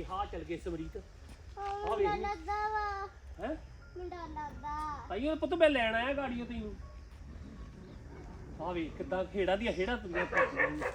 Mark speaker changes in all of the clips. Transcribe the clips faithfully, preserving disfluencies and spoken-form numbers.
Speaker 1: ਵੇਖ ਆ ਚੱਲ ਗਏ ਸਮਰੀਤ
Speaker 2: ਆ ਵੇਖ ਲੱਗਦਾ ਵਾ
Speaker 1: ਹੈ
Speaker 2: ਮੁੰਡਾ ਲੱਗਦਾ
Speaker 1: ਤਾਈਓ ਪੁੱਤ ਮੈਂ ਲੈਣ ਆਇਆ ਗਾੜੀਓ ਤੈਨੂੰ ਆ ਵੇਖ ਕਿੱਦਾਂ ਖੇੜਾ ਦੀਆਂ ਖੇੜਾ ਤੁਰੀਆਂ ਫਿਰਦੀਆਂ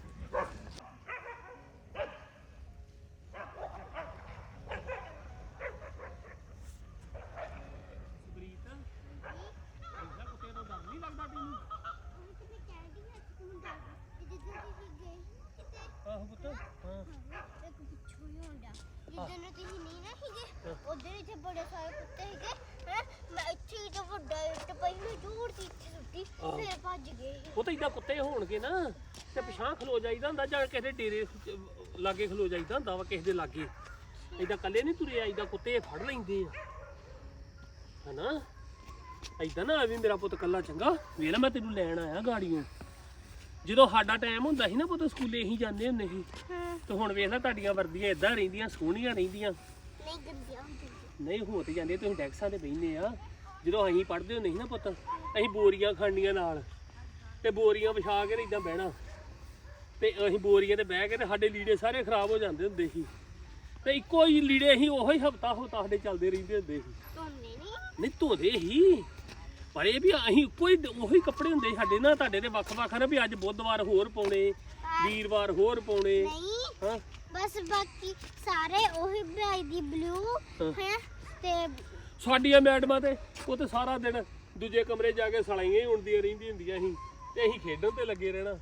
Speaker 1: ਆਹੋ ਪੁੱਤ ਹਾਂ
Speaker 2: ਇੱਕ ਪਿੱਛੋਂ ਹੀ ਹੁੰਦਾ ਜਿੱਦਾਂ ਨੂੰ ਤੁਸੀਂ ਨਹੀਂ ਨਾ ਸੀਗੇ ਉਧਰ ਇੱਥੇ ਬੜੇ ਸਾਰੇ ਕੁੱਤੇ ਸੀਗੇ ਹੈ ਮੈਂ ਇੱਥੇ ਹੀ ਤਾਂ ਵੱਡਾ ਇੱਟ ਪਈ ਮੈਂ ਜ਼ੋਰ ਦੀ ਇੱਥੇ ਸੁੱਟੀ ਫਿਰ ਭੱਜ ਗਏ
Speaker 1: ਉਹ ਤਾਂ ਇਦਾਂ ਕੁੱਤੇ ਹੋਣਗੇ ਨਾ ਤੇ ਪਿਛਾਂ ਖਲੋ ਜਾਈਦਾ ਹੁੰਦਾ ਜਾਂ ਕਿਸੇ ਦੇ ਡੇਰੇ ਲਾਗੇ ਖਲੋ ਜਾਈਦਾ ਹੁੰਦਾ ਵਾ ਕਿਸੇ ਦੇ ਲਾਗੇ ਇਦਾਂ ਕੱਲੇ ਨਹੀਂ ਤੁਰੇ ਆਈਦਾ ਕੁੱਤੇ ਫੜ ਲੈਂਦੇ ਆ ਹਨਾ ਇਦਾਂ ਨਾ ਆਵੀਂ ਮੇਰਾ ਪੁੱਤ ਕੱਲਾ ਚੰਗਾ ਵੇਖ ਲੈ ਮੈਂ ਤੈਨੂੰ ਲੈਣ ਆਇਆ ਗਾੜੀਆਂ ਜਦੋਂ ਸਾਡਾ ਟਾਈਮ ਹੁੰਦਾ ਸੀ ਨਾ ਪੁੱਤ ਸਕੂਲੇ ਅਸੀਂ ਜਾਂਦੇ ਹੁੰਦੇ ਸੀ ਤੇ ਹੁਣ ਵੇਖ ਲੈ ਤੁਹਾਡੀਆਂ ਵਰਦੀਆਂ ਇਦਾਂ ਰਹਿੰਦੀਆਂ ਸੋਹਣੀਆਂ ਰਹਿੰਦੀਆਂ
Speaker 2: ਨਹੀਂ ਗੰਦੀਆਂ ਹੁੰਦੀਆਂ
Speaker 1: ਨਹੀਂ ਹੋ ਤੇ ਜਾਂਦੇ ਤੁਸੀਂ ਡੈਕਸਾਂ ਤੇ ਬਹਿੰਦੇ ਆ ਜਦੋਂ ਅਸੀਂ ਪੜ੍ਹਦੇ ਹੁੰਦੇ ਸੀ ਨਾ ਪੁੱਤ ਅਸੀਂ ਬੋਰੀਆਂ ਖਾਣੀਆਂ ਨਾਲ ਤੇ ਬੋਰੀਆਂ ਵਿਛਾ ਕੇ ਇਦਾਂ ਬਹਿਣਾ ਤੇ ਅਸੀਂ ਬੋਰੀਆਂ ਤੇ ਬਹਿ ਕੇ ਤੇ ਸਾਡੇ ਲੀੜੇ ਸਾਰੇ ਖਰਾਬ ਹੋ ਜਾਂਦੇ ਹੁੰਦੇ ਸੀ ਤੇ ਇੱਕੋ ਹੀ ਲੀੜੇ ਅਸੀਂ ਉਹੋ ਹੀ ਹਫਤਾ ਹਫਤਾ ਸਾਡੇ ਚੱਲਦੇ ਰਹਿੰਦੇ ਹੁੰਦੇ ਸੀ
Speaker 2: ਧੋਨੇ ਨਹੀਂ
Speaker 1: ਨਹੀਂ ਧੋਦੇ ਹੀ ਪਰ ਇਹ ਵੀ ਅਸੀਂ ਕੋਈ ਉਹੀ ਕੱਪੜੇ ਹੁੰਦੇ ਸਾਡੇ ਨਾ ਤੁਹਾਡੇ ਦੇ ਵੱਖ-ਵੱਖ ਨਾ ਵੀ ਅੱਜ ਬੁੱਧਵਾਰ ਹੋਰ ਪਾਉਣੇ ਵੀਰਵਾਰ ਹੋਰ ਪਾਉਣੇ
Speaker 2: ਨਹੀਂ
Speaker 1: ਹਾਂ
Speaker 2: ਬਸ ਬਾਕੀ ਸਾਰੇ ਉਹੀ ਬਰਾਈ ਦੀ ਬਲੂ ਹੈ ਤੇ
Speaker 1: ਸਾਡੀਆਂ ਮੈਡਮਾਂ ਤੇ ਉਹ ਤੇ ਸਾਰਾ ਦਿਨ ਦੂਜੇ ਕਮਰੇ ਜਾ ਕੇ ਸਲਾਈਆਂ ਹੀ ਉਣਦੀਆਂ ਰਹਿੰਦੀਆਂ ਹੁੰਦੀਆਂ ਸੀ ਤੇ ਅਸੀਂ ਖੇਡਣ ਤੇ ਲੱਗੇ ਰਹਿਣਾ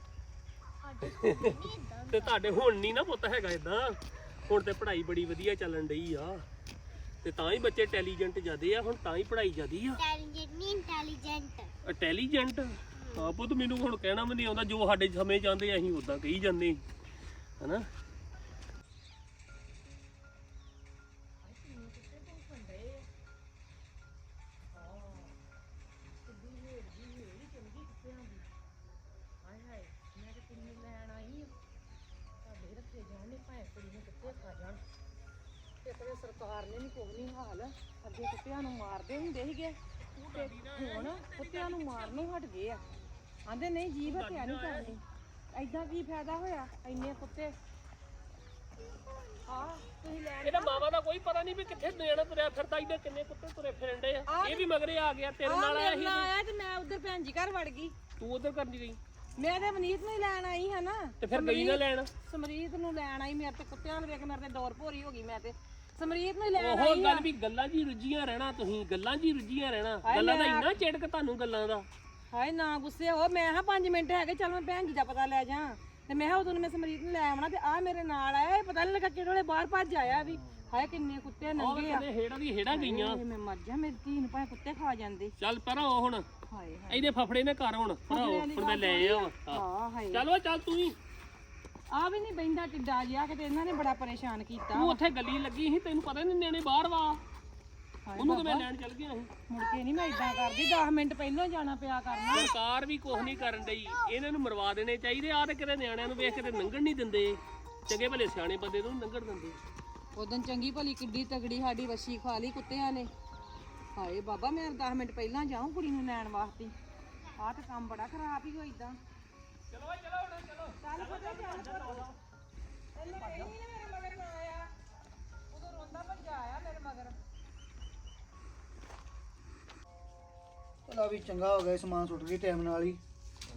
Speaker 1: ਤੇ ਤੁਹਾਡੇ ਹੁਣ ਨਹੀਂ ਨਾ ਪੁੱਤ ਹੈਗਾ ਇਦਾਂ ਹੁਣ ਤੇ ਪੜ੍ਹਾਈ ਬੜੀ ਵਧੀਆ ਚੱਲਣ ਡਈ ਆ ਤੇ ਤਾਂ ਹੀ ਬੱਚੇ ਇੰਟੈਲੀਜੈਂਟ ਜ਼ਿਆਦੇ ਆ ਹੁਣ ਤਾਂ ਹੀ ਪੜ੍ਹਾਈ ਜ਼ਿਆਦੀ ਆ
Speaker 2: ਇੰਟੈਲੀਜੈਂਟ ਨਹੀਂ ਇੰਟੈਲੀਜੈਂਟ
Speaker 1: ਇੰਟੈਲੀਜੈਂਟ ਹਾਂ ਪੁੱਤ ਮੈਨੂੰ ਹੁਣ ਕਹਿਣਾ ਵੀ ਨਹੀਂ ਆਉਂਦਾ ਜੋ ਸਾਡੇ ਸਮੇਂ ਚਾਹੁੰਦੇ ਅਸੀਂ ਉਦਾਂ ਕਹੀ ਜਾਂਦੇ ਹਨਾ
Speaker 3: ਸਰਕਾਰ ਨੇ ਨਹੀਂ ਕੋਈ ਨਹੀਂ ਹਾਲ ਅੱਗੇ ਕੁੱਤਿਆਂ ਨੂੰ ਮਾਰਦੇ ਹੁੰਦੇ ਸੀਗੇ ਤੇ ਹੁਣ ਕੁੱਤਿਆਂ ਨੂੰ ਮਾਰਨੋਂ ਹਟ ਗਏ ਆ ਆਂਦੇ ਨਹੀਂ ਜੀਭ ਹੱਤਿਆ ਨਹੀਂ ਕਰਨੀ ਐਦਾਂ ਕੀ ਫਾਇਦਾ ਹੋਇਆ ਇੰਨੇ ਕੁੱਤੇ ਆ ਤੁਸੀਂ ਲੈ
Speaker 1: ਇਹਦਾ ਮਾਵਾ ਦਾ ਕੋਈ ਪਤਾ ਨਹੀਂ ਵੀ ਕਿੱਥੇ ਦੇਣਾ ਤੁਰਿਆ ਫਿਰਦਾ ਇਹਦੇ ਕਿੰਨੇ ਕੁੱਤੇ ਤੁਰੇ ਫਿਰਦੇ ਆ ਇਹ ਵੀ ਮਗਰੇ ਆ ਗਿਆ ਤੇਰੇ ਨਾਲ ਆਇਆ ਸੀ
Speaker 3: ਆਇਆ ਤੇ ਮੈਂ ਉਧਰ ਭੈਣ ਜੀ ਘਰ ਵੜ ਗਈ
Speaker 1: ਤੂੰ ਉਧਰ ਕਰਨੀ ਗਈ
Speaker 3: ਮੈਂ ਤੇ ਮਨੀਤ ਨੂੰ ਹੀ ਲੈਣ ਆਈ ਹਾਂ ਨਾ
Speaker 1: ਤੇ ਫਿਰ ਗਈ ਨਾ ਲੈਣ
Speaker 3: ਸਮਰੀਤ ਨੂੰ ਲੈਣ ਆਈ ਮੇਰੇ ਤੇ ਕੁੱਤਿਆਂ ਨੂੰ ਵੇਖ ਮੇਰੇ ਤੇ ਦੌਰ ਭੋਰੀ ਹੋ ਗਈ ਮੈਂ ਤੇ ਸਮਰੀਤ ਨੂੰ ਲੈਣ
Speaker 1: ਉਹ ਗੱਲ ਵੀ ਗੱਲਾਂ ਜੀ ਰੁੱਝੀਆਂ ਰਹਿਣਾ ਤੁਸੀਂ ਗੱਲਾਂ ਜੀ ਰੁੱਝੀਆਂ ਰਹਿਣਾ ਗੱਲਾਂ ਦਾ ਇੰਨਾ ਚਿੜਕ ਤੁਹਾਨੂੰ ਗੱਲਾਂ ਦਾ
Speaker 3: ਹਾਏ ਨਾ ਗੁੱਸੇ ਹੋ ਮੈਂ ਹਾਂ ਪੰਜ ਮਿੰਟ ਹੈਗੇ ਚੱਲ ਮੈਂ ਭੈਣ ਜੀ ਦਾ ਪਤਾ ਲੈ ਜਾ ਤੇ ਮੈਂ ਉਦੋਂ ਮੈਂ ਸਮਰੀਤ ਨੂੰ ਲੈ ਆਉਣਾ ਤੇ ਆ ਮੇਰੇ ਨਾਲ ਆਇਆ ਇਹ ਪਤਾ ਨਹੀਂ ਲੱਗਾ ਕਿਹੜੇ ਵੇਲੇ ਬਾਹਰ ਭੱਜ ਆਇਆ ਵੀ ਹਾਏ ਕਿੰਨੇ ਕੁੱਤੇ ਨੰਗੇ ਆ
Speaker 1: ਹੇੜਾਂ ਦੀ ਹੇੜਾਂ ਗਈਆਂ
Speaker 3: ਮੈਂ ਮਰ ਜਾ ਮੇਰੀ ਧੀ ਨੂੰ ਭਾਵੇਂ ਕੁੱਤੇ ਖਾ ਜਾਂਦੇ
Speaker 1: ਚੱਲ ਪਰਾਂ ਹੁਣ
Speaker 3: ਹਾਏ
Speaker 1: ਇਹਦੇ ਫਫੜੇ ਨੇ ਘਰ ਹੁਣ ਪਰਾਂ ਹੁਣ ਮੈਂ ਲੈ ਆ
Speaker 3: ਹਾਂ ਹਾਏ
Speaker 1: ਚਲੋ ਚੱਲ ਤੂੰ ਹੀ
Speaker 3: ਆ ਵੀ ਨਹੀਂ ਬੈਂਦਾ ਟਿੱਡਾ ਜਿਹਾ ਕਿਤੇ ਇਹਨਾਂ ਨੇ ਬੜਾ ਪਰੇਸ਼ਾਨ ਕੀਤਾ
Speaker 1: ਤੂੰ ਉੱਥੇ ਗੱਲੀ ਲੱਗੀ ਸੀ ਤੈਨੂੰ ਪਤਾ ਨਹੀਂ ਨਿਆਣੇ ਬਾਹਰ ਵਾ ਉਹਨੂੰ ਤਾਂ ਮੈਂ ਲੈਣ ਚੱਲ ਗਿਆ ਸੀ
Speaker 3: ਮੁੜ ਕੇ ਨਹੀਂ ਮੈਂ ਇਦਾਂ ਕਰਦੀ ਦਸ ਮਿੰਟ ਪਹਿਲਾਂ ਜਾਣਾ ਪਿਆ ਕਰਨਾ
Speaker 1: ਸਰਕਾਰ ਵੀ ਕੁਝ ਨਹੀਂ ਕਰਨ ਡਈ ਇਹਨਾਂ ਨੂੰ ਮਰਵਾ ਦੇਣੇ ਚਾਹੀਦੇ ਆ ਤੇ ਕਿਤੇ ਨਿਆਣਿਆਂ ਨੂੰ ਵੇਖ ਕੇ ਤੇ ਲੰਘਣ ਨਹੀਂ ਦਿੰਦੇ ਚੰਗੇ ਭਲੇ ਸਿਆਣੇ ਬੰਦੇ ਨੂੰ ਲੰਘਣ ਦਿੰਦੇ
Speaker 3: ਉਦੋਂ ਚੰਗੀ ਭਲੀ ਕਿੱਡੀ ਤਗੜੀ ਸਾਡੀ ਵੱਛੀ ਖਾ ਲਈ ਕੁੱਤਿਆਂ ਨੇ ਹਾਏ ਬਾਬਾ ਮੈਂ ਦਸ ਮਿੰਟ ਪਹਿਲਾਂ ਜਾਉਂ ਕੁੜੀ ਨੂੰ ਲੈਣ ਵਾਸਤੇ ਆਹ ਤੇ ਕੰਮ ਬੜਾ ਖਰਾਬ ਹੀ ਹੋ ਇਦਾਂ
Speaker 1: ਚਲੋ ਚਲੋ ਹੁਣ ਚਲੋ
Speaker 3: ਚੱਲ ਪੁੱਤ ਚੱਲ ਇਹਨੇ ਕਹੀ ਨਹੀਂ ਮੇਰੇ ਮਗਰ ਨਾ ਆਇਆ ਉਦੋਂ ਰੋਂਦਾ ਭੱਜਾ ਆਇਆ ਮੇਰੇ ਮਗਰ
Speaker 4: ਚਲਾ ਵੀ ਚੰਗਾ ਹੋ ਗਿਆ ਸਮਾਨ ਸੁੱਟ ਗਈ ਟਾਈਮ ਨਾਲ ਹੀ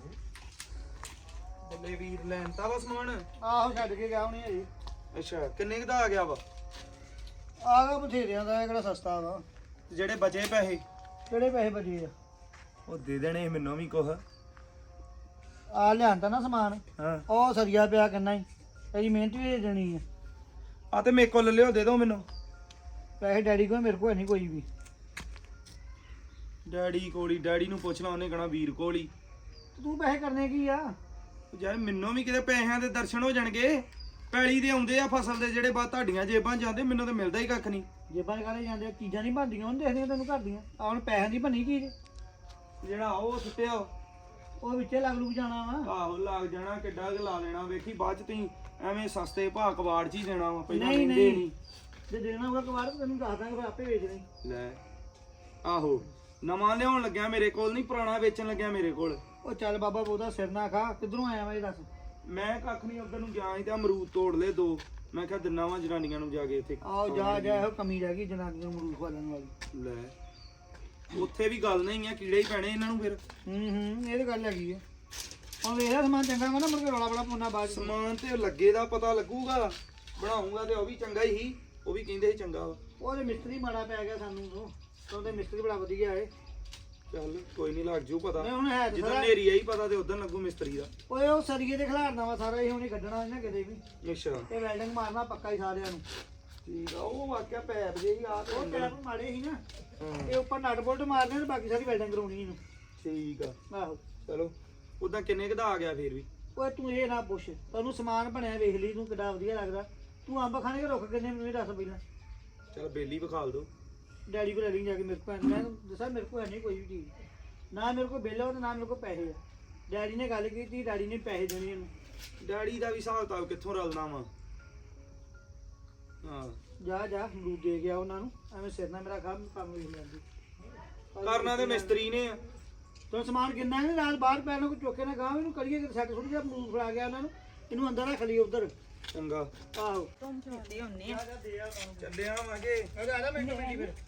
Speaker 5: ਬੱਲੇ ਵੀਰ ਲੈਣ ਤਾ ਵਾ ਸਮਾਨ
Speaker 4: ਆਹੋ ਛੱਡ ਕੇ ਗਿਆ ਹੁਣੀ ਹਜੇ
Speaker 5: ਅੱਛਾ ਕਿੰਨੇ ਕੁ ਦਾ ਆ ਗਿਆ ਵਾ
Speaker 4: ਆ ਗਿਆ ਬਥੇਰਿਆਂ ਦਾ ਇਹ ਕਿਹੜਾ ਸਸਤਾ ਵਾ
Speaker 5: ਤੇ ਜਿਹੜੇ ਬਚੇ ਪੈਸੇ
Speaker 4: ਕਿਹੜੇ ਪੈਸੇ ਬਚੇ ਆ
Speaker 5: ਉਹ ਦੇ ਦੇਣੇ ਮੈਨੂੰ ਵੀ ਕੁਛ
Speaker 4: ਆ ਲਿਆਂਦਾ ਨਾ ਸਮਾਨ
Speaker 5: ਹਾਂ
Speaker 4: ਉਹ ਸਰੀਆ ਪਿਆ ਕਿੰਨਾ ਹੀ ਤੇਰੀ ਮਿਹਨਤ ਵੀ ਦੇ ਦੇਣੀ ਆ
Speaker 5: ਆ ਤੇ ਮੇਰੇ ਕੋਲ ਲਿਓ ਦੇ ਦਿਓ ਮੈਨੂੰ
Speaker 4: ਪੈਸੇ ਡੈਡੀ ਕੋਲ ਮੇਰੇ ਕੋਲ ਨਹੀਂ ਕੋਈ ਵੀ
Speaker 5: ਡੈਡੀ ਕੋਲੀ ਡੈਡੀ ਨੂੰ ਪੁੱਛ ਲਾ ਉਹਨੇ ਕਹਣਾ ਵੀਰ ਕੋਲੀ
Speaker 4: ਤੂੰ ਪੈਸੇ ਕਰਨੇ ਕੀ ਆ
Speaker 5: ਯਾਰ ਮੈਨੂੰ ਵੀ ਕਿਤੇ ਪੈਸਿਆਂ ਦੇ ਦਰਸ਼ਨ ਹੋ ਜਾਣਗੇ ਪੈਲੀ ਦੇ ਆਉਂਦੇ ਆ ਫਸਲ ਦੇ ਜਿਹੜੇ ਬਾਅਦ ਤੁਹਾਡੀਆਂ ਜੇਬਾਂ ਜਾਂਦੇ ਮੈਨੂੰ ਤਾਂ ਮਿਲਦਾ ਹੀ ਕੱਖ ਨਹੀਂ
Speaker 4: ਜੇਬਾਂ ਕਾਲੇ ਜਾਂਦੇ ਚੀਜ਼ਾਂ ਨਹੀਂ ਬਣਦੀਆਂ ਉਹਨੂੰ ਦੇਖਦੀਆਂ ਤੈਨੂੰ ਘਰ ਦੀਆਂ ਆ ਹੁਣ ਪੈਸਿਆਂ ਦੀ ਬਣੀ ਚੀਜ਼
Speaker 5: ਜਿਹੜਾ ਉਹ ਸੁੱਟਿਆ
Speaker 4: ਉਹ ਵਿੱਚੇ ਲੱਗ ਲੁਕ ਜਾਣਾ ਵਾ
Speaker 5: ਆਹੋ ਲੱਗ ਜਾਣਾ ਕਿੱਡਾ ਕੁ ਲਾ ਲੈਣਾ ਵੇਖੀ ਬਾਅਦ ਚ ਤੁਸੀਂ ਐਵੇਂ ਸਸਤੇ ਭਾਅ ਕਬਾੜ ਚ ਹੀ ਦੇਣਾ ਵਾ ਪਹਿਲਾਂ
Speaker 4: ਨਹੀਂ
Speaker 5: ਲੈਂਦੇ
Speaker 4: ਨਹੀਂ ਜੇ ਦੇਣਾ ਹੋਗਾ ਕਵਾੜ ਤੈਨੂੰ ਦੱਸ ਦਾਂਗੇ ਫਿਰ ਆਪੇ ਵੇਚ ਲਈ
Speaker 5: ਲੈ ਆਹੋ ਨਵਾਂ ਲਿਆਉਣ ਲੱਗਿਆ ਮੇਰੇ ਕੋਲ ਨਹੀਂ ਪੁਰਾਣਾ ਵੇਚਣ ਲੱਗਿਆ ਮੇਰੇ ਕੋਲ
Speaker 4: ਉਹ ਚੱਲ ਬਾਬਾ ਬਹੁਤਾ ਸਿਰ ਨਾ ਖਾ ਕਿੱਧਰੋਂ ਆਇਆ ਵਾ ਇਹ ਦੱਸ
Speaker 5: ਮੈਂ ਕੱਖ ਨਹੀਂ ਉਧਰ ਨੂੰ ਗਿਆ ਸੀ ਤੇ ਅਮਰੂਦ ਤੋੜ ਲਏ ਦੋ ਮੈਂ ਕਿਹਾ ਦਿਨਾ ਵਾਂ ਜਨਾਨੀਆਂ ਨੂੰ ਜਾ ਕੇ ਇੱਥੇ
Speaker 4: ਆਓ ਜਾ ਜਾ ਇਹੋ ਕਮੀ ਰਹਿ ਗਈ ਜਨਾਨੀਆਂ ਨੂੰ ਮਰੂਦ ਖਵਾਲਣ ਵਾਲੀ।
Speaker 5: ਲੈ ਉੱਥੇ ਵੀ ਗੱਲ ਨਹੀਂ ਆ, ਕੀੜੇ ਹੀ ਪੈਣੇ ਇਹਨਾਂ ਨੂੰ ਫਿਰ।
Speaker 4: ਹੂੰ ਹੂੰ ਇਹ ਤਾਂ ਗੱਲ ਹੈਗੀ ਆ। ਹੁਣ ਵੇਖਿਆ ਸਮਾਨ ਚੰਗਾ ਵਾ ਨਾ ਮੁੜ ਕੇ ਰੌਲਾ ਬੜਾ ਪਾਉਣਾ ਬਾਅਦ ਚ।
Speaker 5: ਸਮਾਨ ਤੇ ਲੱਗੇ ਦਾ ਪਤਾ ਲੱਗੂਗਾ, ਬਣਾਉਂਗਾ ਤੇ ਉਹ ਵੀ ਚੰਗਾ ਹੀ ਸੀ, ਉਹ ਵੀ ਕਹਿੰਦੇ ਸੀ ਚੰਗਾ ਵਾ।
Speaker 4: ਉਹਦੇ ਮਿਸਤਰੀ ਮਾੜਾ ਪੈ ਗਿਆ ਸਾਨੂੰ ਤੋਂ ਉਹਦੇ ਮਿਸਤਰੀ ਬੜਾ ਵਧੀਆ ਏ।
Speaker 5: ਚੱਲ ਕੋਈ ਨਹੀਂ, ਲੱਗ ਜੂ ਪਤਾ।
Speaker 4: ਮੈਂ ਹੁਣ ਹੈ ਤੇ
Speaker 5: ਜਦੋਂ
Speaker 4: ਸਾਰਾ
Speaker 5: ਨੇਰੀ ਆਈ ਪਤਾ ਤੇ ਉਦੋਂ ਲੱਗੂ ਮਿਸਤਰੀ ਦਾ।
Speaker 4: ਓਏ ਉਹ ਸਰੀਏ ਦੇ ਖਿਲਾਰਨਾ ਵਾ ਸਾਰਾ ਇਹ ਹੁਣੇ ਕੱਢਣਾ ਇਹਨਾਂ ਕਿਤੇ ਵੀ।
Speaker 5: ਅੱਛਾ
Speaker 4: ਇਹ ਵੈਲਡਿੰਗ ਮਾਰਨਾ ਪੱਕਾ ਹੀ ਸਾਰਿਆਂ ਨੂੰ।
Speaker 5: ਠੀਕ ਆ, ਉਹ ਵਾਕਿਆ ਪੈਪ ਜਿਹੀ ਆ ਤੇ
Speaker 4: ਉਹ ਪੈਪ ਮਾੜੇ ਸੀ ਨਾ,
Speaker 5: ਹਾਂ
Speaker 4: ਇਹ ਉੱਪਰ ਨਟ ਬੋਲਟ ਮਾਰਨੇ ਤੇ ਬਾਕੀ ਸਾਰੀ ਵੈਲਡਿੰਗ ਕਰਾਉਣੀ ਇਹਨੂੰ।
Speaker 5: ਠੀਕ ਆ,
Speaker 4: ਆਹੋ
Speaker 5: ਚਲੋ ਉਦਾਂ ਕਿੰਨੇ ਕਦਾ ਆ ਗਿਆ ਫੇਰ ਵੀ।
Speaker 4: ਓਏ ਤੂੰ ਇਹ ਨਾ ਪੁੱਛ, ਤੈਨੂੰ ਸਮਾਨ ਬਣਿਆ ਵੇਖ ਲਈ ਤੂੰ ਕਿੱਡਾ ਵਧੀਆ ਲੱਗਦਾ। ਤੂੰ ਅੰਬ ਖਾਣੇ ਕੇ ਰੁੱਖ ਕਿੰਨੇ ਮੈਨੂੰ ਇਹ ਦੱਸ ਪਹਿਲਾਂ।
Speaker 5: ਚਲ ਬੇਲੀ ਵਿਖਾਲ ਦੋ।
Speaker 4: ਡੈਡੀ ਕੋਲ ਲੈ ਲਈ ਜਾ ਕੇ ਮੇਰੇ ਕੋਲ। ਮੈਂ ਦੱਸਾਂ ਮੇਰੇ ਕੋਲ ਹੈ ਨਹੀਂ ਕੋਈ ਵੀ ਚੀਜ਼, ਨਾ ਮੇਰੇ ਕੋਲ ਬਿੱਲ ਆ ਤੇ ਨਾ ਮੇਰੇ ਕੋਲ ਪੈਸੇ ਆ। ਡੈਡੀ ਨੇ ਗੱਲ ਕੀਤੀ, ਡੈਡੀ ਨੇ ਪੈਸੇ ਦੇਣੇ ਇਹਨੂੰ।
Speaker 5: ਡੈਡੀ ਦਾ ਵੀ ਹਿਸਾਬ ਕਿਤਾਬ ਕਿੱਥੋਂ ਰਲਣਾ ਵਾ। ਹਾਂ
Speaker 4: ਜਾ ਜਾ ਅਮਰੂਦ ਦੇ ਗਿਆ ਉਹਨਾਂ ਨੂੰ, ਐਵੇਂ ਸਿਰ ਨਾਲ ਮੇਰਾ ਕੰਮ ਕੰਮ ਵੇਖ ਲੈਂਦੀ।
Speaker 5: ਕਰਨਾ ਤੇ ਮਿਸਤਰੀ ਨੇ ਆ।
Speaker 4: ਤੂੰ ਸਮਾਨ ਕਿੰਨਾ ਹੈ ਨਾਲ ਬਾਹਰ ਪੈਣ ਨੂੰ ਕੋਈ ਚੁੱਕੇ ਨਾ ਗਾਂ ਇਹਨੂੰ ਕਰੀਏ ਕਿ ਸੈੱਟ ਸੁੱਟ ਜਾ ਅਮਰੂਦ ਫੜਾ ਗਿਆ ਉਹਨਾਂ ਨੂੰ, ਇਹਨੂੰ ਅੰਦਰ ਰੱਖ ਲਈ ਉਧਰ।
Speaker 5: ਚੰਗਾ
Speaker 4: ਆਹੋ
Speaker 3: ਤੁਮ ਛੋੜਦੇ ਹੁੰਨੇ ਆ
Speaker 5: ਚੱਲਿਆ ਵਾਂਗੇ।
Speaker 4: ਅਰੇ ਆ ਜਾ ਮਿੰਟ ਮਿੰਟ ਫਿਰ।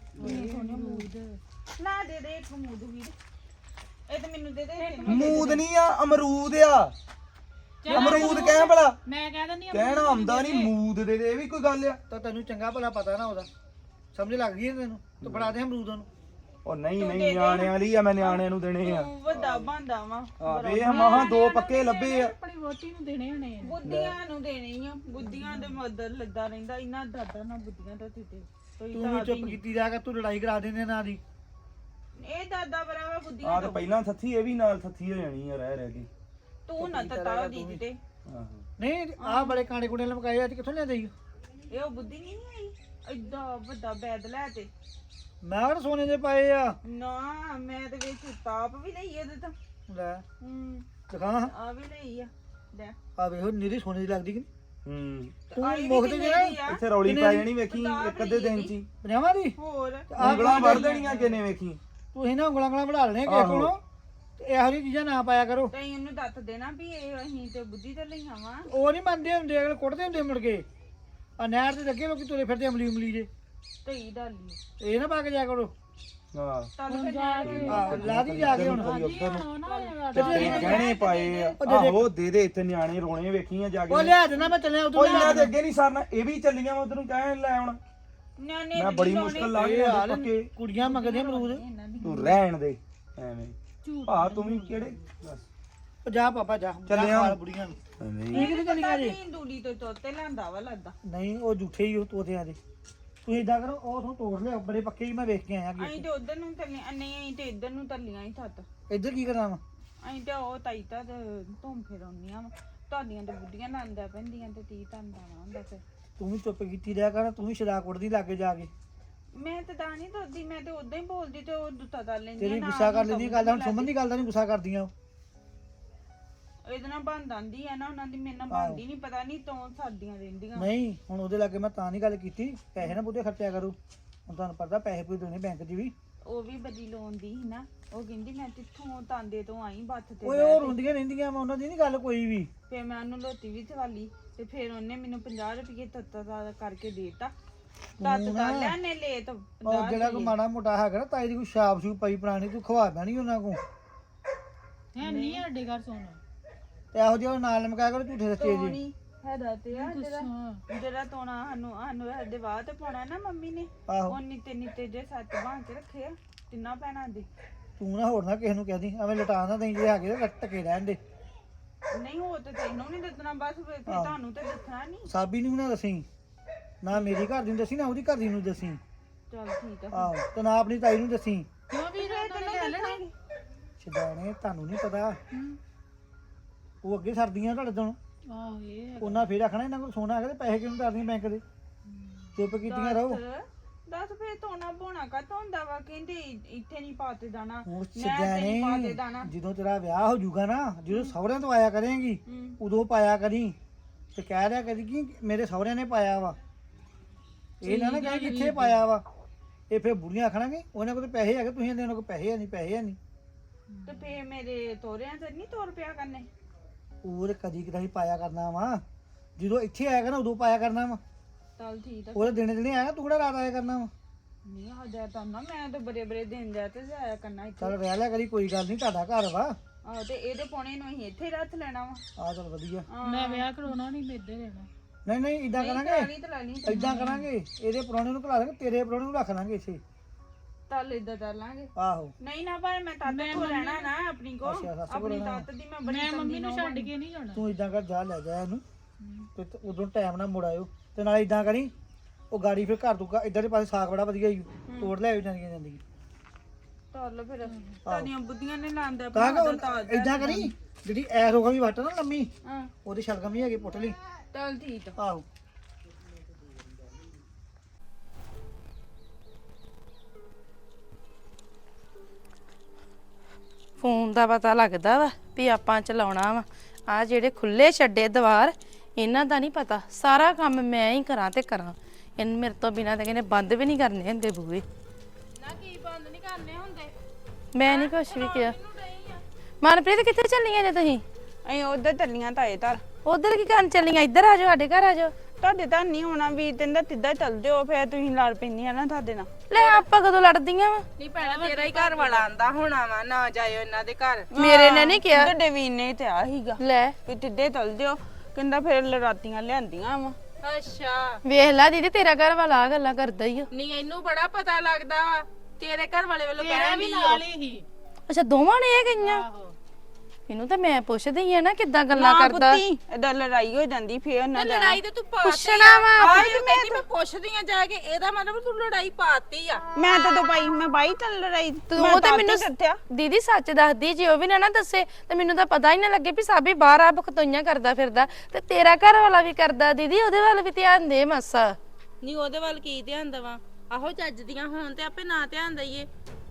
Speaker 3: ਨਾ ਦੇ ਦੇ ਇੱਕ ਮੂਦ ਵੀਰ, ਇਹ ਤਾਂ ਮੈਨੂੰ ਦੇ ਦੇ।
Speaker 5: ਮੂਦ ਨਹੀਂ ਆ, ਅਮਰੂਦ ਆ। ਅਮਰੂਦ ਕਹਿ ਭਲਾ,
Speaker 3: ਮੈਂ ਕਹਿ ਦਿੰਦੀ
Speaker 5: ਕਹਿਣਾ ਆਉਂਦਾ ਨਹੀਂ, ਮੂਦ ਦੇ ਦੇ, ਇਹ ਵੀ ਕੋਈ ਗੱਲ ਆ।
Speaker 4: ਤਾਂ ਤੈਨੂੰ ਚੰਗਾ ਭਲਾ ਪਤਾ ਨਾ ਉਹਦਾ, ਸਮਝ ਲੱਗ ਗਈ ਤੈਨੂੰ। ਤੂੰ ਫੜਾ ਦੇ ਅਮਰੂਦ ਉਹਨੂੰ।
Speaker 5: ਉਹ ਨਹੀਂ ਨਹੀਂ, ਨਿਆਣਿਆਂ ਲਈ ਆ, ਮੈਂ ਨਿਆਣਿਆਂ ਨੂੰ ਦੇਣੇ ਆ।
Speaker 3: ਤੂੰ ਵੱਡਾ ਬੰਦਾ ਵਾ,
Speaker 5: ਆ ਵੇ ਮਹਾ ਦੋ ਪੱਕੇ ਲੱਭੇ ਆ।
Speaker 3: ਆਪਣੀ ਵੋਟੀ ਨੂੰ ਦੇਣੇ ਹੋਣੇ ਆ। ਬੁੱਧੀਆਂ ਨੂੰ ਦੇਣੇ ਆ, ਬੁੱਧੀਆਂ ਦੇ ਮਦਦ ਲੱਗਾ ਰਹਿੰਦਾ ਇਹਨਾਂ ਦਾਦਾ ਨਾਲ ਬੁੱਧੀਆਂ ਦਾ ਦਿੱਤੇ ਕੋਈ
Speaker 4: ਤੂੰ ਵੀ ਚੁੱਪ ਕੀਤੀ ਜਾ ਕੇ, ਤੂੰ ਲੜਾਈ ਕਰਾ ਦਿੰਦੇ ਨਾ ਦੀ।
Speaker 3: ਇਹ ਦਾਦਾ ਬਰਾਵਾ ਬੁੱਧੀਆਂ
Speaker 5: ਆ ਤੇ ਪਹਿਲਾਂ ਥੱਥੀ, ਇਹ ਵੀ ਨਾਲ ਥੱਥੀ ਹੋ ਜਾਣੀ ਆ ਰਹਿ ਰਹਿ ਕੇ।
Speaker 3: ਤੂੰ ਨਾ ਤਤਾ ਦੀ ਦਿੱਤੇ।
Speaker 5: ਆਹੋ
Speaker 4: ਨਹੀਂ ਆਹ ਬੜੇ ਕਾਂਡੇ ਕੁੰਡੇ ਲਮਕਾਏ ਅੱਜ ਕਿੱਥੋਂ ਲਿਆਂਦੇ ਈ?
Speaker 3: ਇਹ ਉਹ ਬੁੱਧੀ ਨਹੀਂ ਆਈ ਏਡਾ ਵੱਡਾ ਬੈਦ ਲੈ ਤੇ।
Speaker 4: ਮੈਂ ਕਿਹੜਾ ਸੋਨੇ ਦੇ ਪਾਏ ਆ।
Speaker 3: ਨਾ ਮੈਂ ਤੇ ਵਿੱਚ ਤਾਪ ਵੀ ਲਈ ਇਹਦੇ ਤਾਂ।
Speaker 4: ਲੈ
Speaker 3: ਹੂੰ
Speaker 4: ਦਿਖਾ
Speaker 3: ਆ ਵੀ ਲਈ ਆ ਲੈ।
Speaker 4: ਆ ਵੇਖੋ ਨੀਰੀ ਸੋਨੇ ਦੀ ਲੱਗਦੀ ਕਿ
Speaker 5: ਹੂੰ
Speaker 4: ਤੂੰ
Speaker 3: ਆਈ ਵੀ
Speaker 4: ਮੁਕਤ
Speaker 3: ਕਿੰਨੇ
Speaker 4: ਜਿਹੜਾ
Speaker 3: ਦੀ ਆ?
Speaker 5: ਇੱਥੇ ਰੌਲੀ ਪੈ ਜਾਣੀ ਵੇਖੀ ਇੱਕ ਅੱਧੇ ਦਿਨ ਚ ਹੀ।
Speaker 4: ਪੰਜਾਵਾਂ ਦੀ
Speaker 3: ਹੋਰ
Speaker 5: ਉਂਗਲਾਂ ਵੜ ਦੇਣੀਆਂ ਕਿਨੇ ਵੇਖੀ।
Speaker 4: ਤੁਸੀਂ ਨਾ ਉਂਗਲਾਂ ਉਂਗਲਾਂ ਵਧਾ ਲੈਣੇ ਕਿਸੇ ਕੋਲੋਂ ਤੇ ਇਹੋ ਜਿਹੀ ਚੀਜ਼ਾਂ ਨਾ ਪਾਇਆ ਕਰੋ।
Speaker 3: ਤੇ ਇਹਨੂੰ ਦੱਸ ਦੇਣਾ ਵੀ ਇਹ ਅਸੀਂ ਤੇ ਬੁੱਧੀ ਤੇ ਲਈਆਂ ਵਾ।
Speaker 4: ਉਹ ਨਹੀਂ ਮੰਨਦੇ ਹੁੰਦੇ, ਅਗਲੇ ਕੁੱਟਦੇ ਹੁੰਦੇ ਮੁੜ ਕੇ। ਆ ਨਹਿਰ ਤੇ ਲੱਗੇ ਲੋਕੀ ਤੁਰੇ ਫਿਰਦੇ ਅਮਲੀ ਉਮਲੀ ਜੇ,
Speaker 3: ਧਈ ਡਾਲੀ
Speaker 4: ਇਹ ਨਾ ਪਾ ਕੇ ਜਾਇਆ ਕਰੋ।
Speaker 5: ਹਾਂ
Speaker 3: ਤਲ ਕੇ ਜਾ ਕੇ
Speaker 4: ਆਹ ਲਾ ਦੀ ਜਾ ਕੇ ਹੁਣ।
Speaker 5: ਗਹਿਣੇ ਪਾਏ ਆ। ਆਹੋ ਦੇ ਦੇ, ਇੱਥੇ ਨਿਆਣੇ ਰੋਣੇ ਵੇਖੀਆਂ ਜਾ ਕੇ।
Speaker 4: ਉਹ ਲਿਆ ਦੇਣਾ, ਮੈਂ ਚੱਲਿਆ ਉਧਰ।
Speaker 5: ਉਹ ਇਹਨਾਂ ਦੇ ਅੱਗੇ ਨਹੀਂ ਸਰਨਾ, ਇਹ ਵੀ ਚੱਲੀਆਂ ਉਧਰ ਨੂੰ ਕਹਿਣ ਲੈ ਆਉਣ।
Speaker 3: ਨਿਆਣੇ
Speaker 5: ਮੈਂ ਬੜੀ ਮੁਸ਼ਕਲ ਲਾ ਕੇ ਆਂਦੇ ਪੱਕੇ।
Speaker 4: ਕੁੜੀਆਂ ਮੰਗਦੇ ਅਮਰੂਦ।
Speaker 5: ਤੂੰ ਰਹਿਣ ਦੇ ਐਵੇਂ। ਭਾ ਤੂੰ ਵੀ ਕਿਹੜੇ ਬਸ
Speaker 4: ਉਹ ਜਾ ਪਾਪਾ ਜਾ,
Speaker 5: ਚੱਲਿਆ।
Speaker 4: ਖਾ ਬੁੜੀਆਂ ਨੂੰ।
Speaker 5: ਐਵੇਂ
Speaker 4: ਇਹ ਕਿਤੇ ਚੱਲੀਆਂ ਜੇ?
Speaker 3: ਦੂਲੀ ਤੋਂ ਤੋਤੇ ਲਿਆਂਦਾ ਵਾ ਲੱਗਦਾ।
Speaker 4: ਨਹੀਂ ਉਹ ਝੂਠੇ ਹੀ ਉਹ ਤੋਤਿਆਂ ਦੇ। ਤੁਸੀਂ ਇਦਾਂ ਕਰੋ, ਉਹ ਤੋਂ ਤੋੜ ਲਿਓ, ਬੜੇ ਪੱਕੇ ਹੀ ਮੈਂ ਵੇਖ ਕੇ ਆਇਆ
Speaker 3: ਅਸੀਂ ਤੇ ਉਧਰ ਨੂੰ ਤੱਲੀਆਂ ਨਹੀਂ, ਅਸੀਂ ਤੇ ਇੱਧਰ ਨੂੰ ਤੱਲੀਆਂ ਹੀ ਥੱਤ।
Speaker 4: ਇੱਧਰ ਕੀ ਕਰਨਾ ਵਾ?
Speaker 3: ਅਸੀਂ ਤੇ ਉਹ ਤਾਈ ਤਾਂ ਧੁੰਮ ਫੇਰਾਉਂਦੀਆਂ ਵਾ। ਤੁਹਾਡੀਆਂ ਤੇ ਬੁੱਢੀਆਂ ਲਾਂਦਾ ਪੈਂਦੀਆਂ ਤੇ ਤੀ ਧੰਦਾ ਨਾ ਹੁੰਦਾ ਫਿਰ।
Speaker 4: ਤੂੰ ਵੀ ਚੁੱਪ ਕੀਤੀ ਰਿਹਾ ਕਰ, ਤੂੰ ਵੀ ਸ਼ਰਾਬ ਕੁੱਟਦੀ ਲਾਗੇ ਜਾ ਕੇ।
Speaker 3: ਮੈਂ ਤੇ ਤਾਂ ਨਹੀਂ ਦੱਸਦੀ, ਮੈਂ ਤੇ ਉਦਾਂ ਹੀ ਬੋਲਦੀ ਤੇ ਉਹ ਦੁੱਤਾ ਕਰ ਲੈਂਦੀ
Speaker 4: ਤੇਰੀ ਗੁੱਸਾ ਕਰ ਲੈਂਦੀ ਗੱਲ, ਹੁਣ ਸੁਮਨ ਦੀ ਗੱਲ ਦਾ ਨਹੀਂ ਗੁੱਸਾ ਕਰਦੀਆਂ ਉਹ।
Speaker 3: ਇਹਦੇ ਨਾਲ ਬੰਦ ਆਂਦੀ ਆ ਨਾ, ਉਹਨਾਂ ਦੀ ਮੇਰੇ ਨਾਲ ਬੰਦੀ ਨਹੀਂ, ਪਤਾ ਨਹੀਂ ਤੋਂ ਸਾਡੀਆਂ ਰਹਿੰਦੀਆਂ।
Speaker 4: ਨਹੀਂ ਹੁਣ ਉਹਦੇ ਲਾਗੇ ਮੈਂ ਤਾਂ ਨਹੀਂ ਗੱਲ ਕੀਤੀ, ਪੈਸੇ ਨਾ ਬੁੱਢੇ ਖਰਚਿਆ ਕਰੂ। ਹੁਣ ਤੁਹਾਨੂੰ ਪਤਾ ਪੈਸੇ ਪੂਰੇ ਦੇਣੇ ਬੈਂਕ 'ਚ ਵੀ।
Speaker 3: ਉਹ ਵੀ ਬਦੀ ਲੋਨ ਦੀ ਸੀ ਨਾ, ਉਹ ਕਹਿੰਦੀ ਮੈਂ ਤਿੱਥੋਂ ਤਾਂਦੇ ਤੋਂ ਆਈ ਬੱਥ ਤੇ
Speaker 4: ਓਏ ਉਹ ਰੋਂਦੀਆਂ ਰਹਿੰਦੀਆਂ ਵਾ, ਉਹਨਾਂ ਦੀ ਨਹੀਂ ਗੱਲ ਕੋਈ ਵੀ।
Speaker 3: ਫਿਰ ਮੈਂ ਉਹਨੂੰ ਲੋਤੀ ਵੀ ਚਵਾਲੀ ਤੇ ਫਿਰ ਉਹਨੇ ਮੈਨੂੰ ਪੰਜਾਹ ਰੁਪਏ ਤੱਤਾ ਦਾ ਕਰਕੇ ਦੇਤਾ। ਤੱਤ ਤਾਂ ਲੈਣੇ ਲੈ ਤਾਂ
Speaker 4: ਉਹ ਜਿਹੜਾ ਕੋ ਮਾੜਾ ਮੋਟਾ ਹੈਗਾ ਨਾ ਤਾਈ ਦੀ ਕੋਈ ਛਾਪ ਛੂਪ ਪਈ ਪੁਰਾਣੀ, ਤੂੰ ਖਵਾ ਪੈਣੀ ਉਹਨਾਂ ਕੋ।
Speaker 3: ਹੈ ਨਹੀਂ ਸਾਡੇ ਘਰ ਸੋਨਾ
Speaker 4: ਤੇ ਇਹੋ ਜਿਹਾ ਨਾਲ ਲਮਕਾਇਆ ਕਰੋ ਝੂਠੇ ਸੱਚੇ ਜੀ।
Speaker 3: ਨਹੀਂ ਹੈਦਾ ਤੇ ਆ ਜਿਹੜਾ ਜਿਹੜਾ ਤੋਣਾ ਸਾਨੂੰ ਸਾਨੂੰ ਸਾਡੇ ਵਾਹ ਤੇ ਪਾਉਣਾ ਨਾ ਮੰਮੀ ਨੇ,
Speaker 4: ਆਹੋ
Speaker 3: ਉਹ ਨਿੱਤੇ ਨਿੱਤੇ ਜੇ ਸੱਤ ਬਾਂਹ ਕੇ ਰੱਖੇ ਆ ਤਿੰਨਾਂ ਭੈਣਾਂ ਦੇ।
Speaker 4: ਤੂੰ ਨਾ ਹੋਰ ਨਾ ਕਿਸੇ ਨੂੰ ਕਹਿਦੀ, ਐਵੇਂ ਲਟਾ ਨਾ ਦੇਈਂ ਜੇ ਹੈਗੇ ਤੇ ਟਕੇ ਰਹਿਣ ਦੇ।
Speaker 3: ਨਹੀਂ ਉਹ ਤੇ ਤੈਨੂੰ ਨਹੀਂ ਦੱਸਣਾ, ਬਸ ਫਿਰ ਫਿਰ ਤੁਹਾਨੂੰ ਤੇ ਦੱਸਣਾ ਨਹੀਂ।
Speaker 4: ਸਾਬੀ ਨੂੰ ਵੀ ਨਾ ਦੱਸੀ, ਨਾ ਮੇਰੀ ਘਰ ਦੀ ਨੂੰ ਦੱਸੀ, ਨਾ ਉਹਦੀ ਘਰ ਦੀ ਨੂੰ ਦੱਸੀ।
Speaker 3: ਚੱਲ ਠੀਕ ਆ।
Speaker 4: ਆਹੋ ਤੇ ਨਾ ਆਪਣੀ ਤਾਈ ਨੂੰ ਦੱਸੀ।
Speaker 3: ਕਿਉਂ ਵੀਰ ਤੈਨੂੰ ਲੈ ਲੈਣਾ
Speaker 4: ਛਡਾਣੇ ਤੁਹਾਨੂੰ ਨਹੀਂ ਪਤਾ, ਉਹ ਅੱਗੇ ਸਰਦੀਆਂ ਤੁਹਾਡੇ ਤੋਂ।
Speaker 3: ਆਹ ਇਹ
Speaker 4: ਉਹਨਾਂ ਫੇਰ ਆਖਣਾ ਇਹਨਾਂ ਕੋਲ ਸੋਨਾ ਹੈਗਾ ਤੇ ਪੈਸੇ ਕਿਉਂ ਕਰਦੀਆਂ ਬੈਂਕ ਦੇ। ਚੁੱਪ ਕੀਤੀਆਂ ਰਹੋ।
Speaker 3: ਦੱਸ ਫੇਰ ਤੋਣਾ ਬੋਣਾ ਕਾ ਹੁੰਦਾ ਵਾ, ਕਹਿੰਦੇ ਇੱਥੇ ਨਹੀਂ ਪਾਤੇ ਦਾਣਾ,
Speaker 4: ਹੁਣ
Speaker 3: ਮੈਂ ਤੇ ਨਹੀਂ ਪਾਤੇ
Speaker 4: ਛਡਾਣੇ
Speaker 3: ਦਾਣਾ।
Speaker 4: ਜਦੋਂ ਤੇਰਾ ਵਿਆਹ ਹੋ ਜਾਊਗਾ ਨਾ, ਜਦੋਂ ਸਹੁਰਿਆਂ ਤੋਂ ਆਇਆ ਕਰੇਂਗੀ ਉਦੋਂ ਪਾਇਆ ਕਰੀ ਤੇ ਕਹਿ ਰਿਹਾ ਕਰੀ ਕਿ ਮੇਰੇ ਸਹੁਰਿਆਂ ਨੇ ਪਾਇਆ ਵਾ। ਇਹ ਨਾ ਨਾ ਕਹੇ ਕਿੱਥੇ ਪਾਇਆ ਵਾ। ਇਹ ਫੇਰ ਬੁੜੀਆਂ ਆਖਣਗੇ ਉਹਨਾਂ ਕੋਲ ਪੈਸੇ ਹੈਗੇ, ਤੁਸੀਂ ਇਹਨਾਂ ਕੋਲ ਪੈਸੇ ਹੈ ਨਹੀਂ, ਪੈਸੇ ਹੈ ਨਹੀਂ।
Speaker 3: ਤੇ ਫੇਰ ਮੇਰੇ ਤੋਰਿਆਂ ਤੇ ਨਹੀਂ ਤੋਰ ਪਿਆ ਕਰਨੇ।
Speaker 4: ਉਹ ਕਦੀ ਕਦਾਈ ਪਾਇਆ ਕਰਨਾ ਵਾ, ਜਦੋਂ ਇੱਥੇ ਆਇਆ ਕਰਨਾ ਉਦੋਂ ਪਾਇਆ ਕਰਨਾ ਵਾ
Speaker 3: ਚੱਲ ਠੀਕ ਆ।
Speaker 4: ਉਹਦੇ ਦਿਨੇ ਦਿਨੇ ਆਇਆ ਤੂੰ ਕਿਹੜਾ ਰਾਤ ਆਇਆ ਕਰਨਾ ਵਾ
Speaker 3: ਨਹੀਂ ਆ ਜਾ ਤਾਂ ਨਾ ਮੈਂ ਤਾਂ ਬੜੇ ਬੜੇ ਦਿਨ ਜਾ ਤੇ ਜਾਇਆ ਕਰਨਾ ਇੱਥੇ।
Speaker 4: ਚੱਲ ਰਹਿ ਲਿਆ ਕਰੀ ਕੋਈ ਗੱਲ ਨਹੀਂ ਤੁਹਾਡਾ ਘਰ ਵਾ
Speaker 3: ਆਹੋ ਤੇ ਇਹਦੇ ਪੌਣੇ ਨੂੰ ਅਸੀਂ ਇੱਥੇ ਹੀ ਰੱਖ ਲੈਣਾ ਵਾ।
Speaker 4: ਆ ਚੱਲ ਵਧੀਆ
Speaker 3: ਮੈਂ ਵਿਆਹ ਕਰਾਉਣਾ ਨਹੀਂ ਮੇਦੇ ਦੇਣਾ।
Speaker 4: ਨਹੀਂ ਨਹੀਂ ਇਦਾਂ ਕਰਾਂਗੇ
Speaker 3: ਨਹੀਂ ਤਾਂ ਲੈਣੀ
Speaker 4: ਇਦਾਂ ਕਰਾਂਗੇ ਇਹਦੇ ਪ੍ਰਾਹੁਣੇ ਨੂੰ ਘਲਾ ਦਾਂਗੇ ਤੇਰੇ ਪ੍ਰਾਹੁਣੇ ਨੂੰ ਰੱਖ ਲਾਂਗੇ ਇੱਥੇ
Speaker 3: ਚੱਲ ਇਦਾਂ ਕਰ ਲਾਂਗੇ।
Speaker 4: ਆਹੋ
Speaker 3: ਨਹੀਂ ਨਾ ਪਰ ਮੈਂ ਤੱਤ ਕੋ ਲੈਣਾ ਨਾ ਆਪਣੀ ਕੋ
Speaker 4: ਅੱਛਾ, ਸੱਸ ਕੋਲ
Speaker 3: ਆਪਣੀ
Speaker 4: ਰਹਿਣਾ।
Speaker 3: ਤੱਤ ਦੀ ਮੈਂ ਬੜੀ ਮੰਮੀ ਨੂੰ ਛੱਡ ਕੇ ਨਹੀਂ ਜਾਣਾ।
Speaker 4: ਤੂੰ ਇਦਾਂ ਕਰ ਜਾ ਲੈ ਜਾ ਇਹਨੂੰ ਤੇ ਤੇ ਉਦੋਂ ਟਾਈਮ ਨਾਲ ਮੁੜ ਆਇਓ ਤੇ ਨਾਲੇ ਇਦਾਂ ਕਰੀ ਉਹ ਗਾੜੀ ਫਿਰ ਘਰ ਤੋਂ ਇਧਰ ਦੇ ਪਾਸੇ ਸਾਗ ਬੜਾ ਵਧੀਆ ਹੀ ਤੋੜ ਲੈ ਆਇਓ ਜਾਂਦੀਆਂ ਜਾਂਦੀਆਂ
Speaker 3: ਚੱਲ ਫਿਰ ਤੁਹਾਡੀਆਂ ਬੁੱਧੀਆਂ ਨੇ ਲਾਂਦਾ
Speaker 4: ਕਹਾਂਗਾ ਇਦਾਂ ਕਰੀ ਜਿਹੜੀ ਐਰੋ ਵੀ ਵੱਟ ਨਾ ਲੰਮੀ
Speaker 3: ਹਾਂ
Speaker 4: ਉਹਦੀ ਸ਼ਲਗਮ ਵੀ ਹੈਗੀ ਪੁੱਟ ਲਈ
Speaker 3: ਚੱਲ ਠੀਕ ਆ।
Speaker 4: ਆਹੋ
Speaker 6: ਫੋਨ ਦਾ ਪਤਾ ਲੱਗਦਾ ਵਾ ਵੀ ਆਪਾਂ ਚਲਾਉਣਾ ਵਾ ਆ ਜਿਹੜੇ ਖੁੱਲੇ ਛੱਡੇ ਦੀਵਾਰ ਇਹਨਾਂ ਦਾ ਨਹੀਂ ਪਤਾ ਸਾਰਾ ਕੰਮ ਮੈਂ ਹੀ ਕਰਾਂ ਤੇ ਕਰਾਂ ਇਹਨ ਮੇਰੇ ਤੋਂ ਬਿਨਾਂ ਤਾਂ ਕਹਿੰਦੇ ਬੰਦ ਵੀ ਨਹੀਂ ਕਰਨੇ ਹੁੰਦੇ ਬੂਏ
Speaker 3: ਨਾ ਕੀ ਬੰਦ ਨਹੀਂ ਕਰਨੇ ਹੁੰਦੇ।
Speaker 6: ਮੈਂ ਨਹੀਂ ਕੁਛ ਵੀ ਕਿਹਾ ਮਨਪ੍ਰੀਤ ਕਿੱਥੇ ਚੱਲੀਆਂ ਜੇ ਤੁਸੀਂ
Speaker 3: ਅਸੀਂ ਉਧਰ ਚੱਲੀਆਂ ਤਾਏ ਘਰ।
Speaker 6: ਉਧਰ ਕੀ ਕਰਨ ਚੱਲੀਆਂ ਇੱਧਰ ਆ ਜਾਓ ਸਾਡੇ ਘਰ ਆ ਜਾਓ
Speaker 3: ਤੁਹਾਡੇ ਤਾਂ ਨਹੀਂ ਹੋਣਾ ਵੀ ਤੈਨੂੰ ਤਿੱਦਾਂ ਚੱਲ ਜਿਓ ਫਿਰ ਤੁਸੀਂ ਲੜ ਪੈਂਦੀਆਂ ਨਾ ਤੁਹਾਡੇ ਨਾਲ।
Speaker 6: ਲੈ ਆਪਾਂ ਕਦੋਂ ਲੜਦੀਆਂ ਵਾ
Speaker 3: ਨਹੀਂ ਭੈਣਾ ਤੇਰਾ ਹੀ ਘਰ ਵਾਲਾ ਆਂਦਾ ਹੋਣਾ ਵਾ ਨਾ ਜਾਇਓ ਇਹਨਾਂ ਦੇ ਘਰ।
Speaker 6: ਮੇਰੇ ਨੇ ਨਹੀਂ ਕਿਹਾ
Speaker 3: ਤੁਹਾਡੇ ਵੀਰ ਨੇ ਤੇ ਆ ਹੀਗਾ
Speaker 6: ਲੈ
Speaker 3: ਵੀ ਤਿੱਦੇ ਚੱਲ ਜਿਓ ਕਹਿੰਦਾ ਫਿਰ ਲੜਾਤੀਆਂ ਲਿਆਂਦੀਆਂ ਵਾ। ਅੱਛਾ
Speaker 6: ਵੇਖ ਲੈ ਦੀਦੀ ਤੇਰਾ ਘਰ ਵਾਲਾ ਆ ਗੱਲਾਂ ਕਰਦਾ ਹੀ ਆ
Speaker 3: ਨਹੀਂ ਇਹਨੂੰ ਬੜਾ ਪਤਾ ਲੱਗਦਾ ਵਾ ਤੇਰੇ ਘਰ ਵਾਲੇ ਵੱਲੋਂ ਕਹਿਣਾ ਵੀ ਨਾਲ ਹੀ।
Speaker 6: ਅੱਛਾ ਦੋਵਾਂ ਨੇ ਇਹ ਗਈਆਂ ਇਹਨੂੰ ਤਾਂ ਮੈਂ ਪੁੱਛਦੀ ਆ ਨਾ ਕਿੱਦਾਂ ਗੱਲਾਂ ਕਰਦਾ
Speaker 3: ਏਦਾਂ ਲੜਾਈ ਹੋ ਜਾਂਦੀ ਫੇਰ ਉਹਨਾਂ ਦਾ ਲੜਾਈ ਤੇ ਤੂੰ
Speaker 6: ਪੁੱਛਣਾ ਵਾ
Speaker 3: ਆਈ ਮੈਂ ਮੈਂ ਪੁੱਛਦੀ ਆ ਜਾ ਕੇ ਇਹਦਾ ਮਤਲਬ ਤੂੰ ਲੜਾਈ ਪਾਤੀ ਆ। ਮੈਂ ਤਾਂ ਦੋ ਪਾਈ ਮੈਂ ਬਾਈ ਤਾਂ ਲੜਾਈ
Speaker 6: ਤੂੰ ਤਾਂ ਮੈਨੂੰ ਦੀਦੀ ਸੱਚ ਦੱਸਦੀ ਜੇ ਉਹ ਵੀ ਨਾ ਨਾ ਦੱਸੇ ਤੇ ਮੈਨੂੰ ਤਾਂ ਪਤਾ ਹੀ ਨਾ ਲੱਗੇ ਵੀ ਸਾਬੀ ਬਾਹਰ ਆ ਬਖਤੋਈਆਂ ਕਰਦਾ ਫਿਰਦਾ ਤੇ ਤੇਰਾ ਘਰ ਵਾਲਾ ਵੀ ਕਰਦਾ ਦੀਦੀ ਉਹਦੇ ਵੱਲ ਵੀ ਧਿਆਨ ਦੇ ਮਾਸਾ
Speaker 7: ਨਹੀਂ ਉਹਦੇ ਵੱਲ ਕੀ ਧਿਆਨ ਦੇਵਾਂ ਆਹੋ ਚੱਜ ਦੀਆਂ ਹੋਣ ਤੇ ਆਪੇ ਨਾ ਧਿਆਨ ਦਈਏ।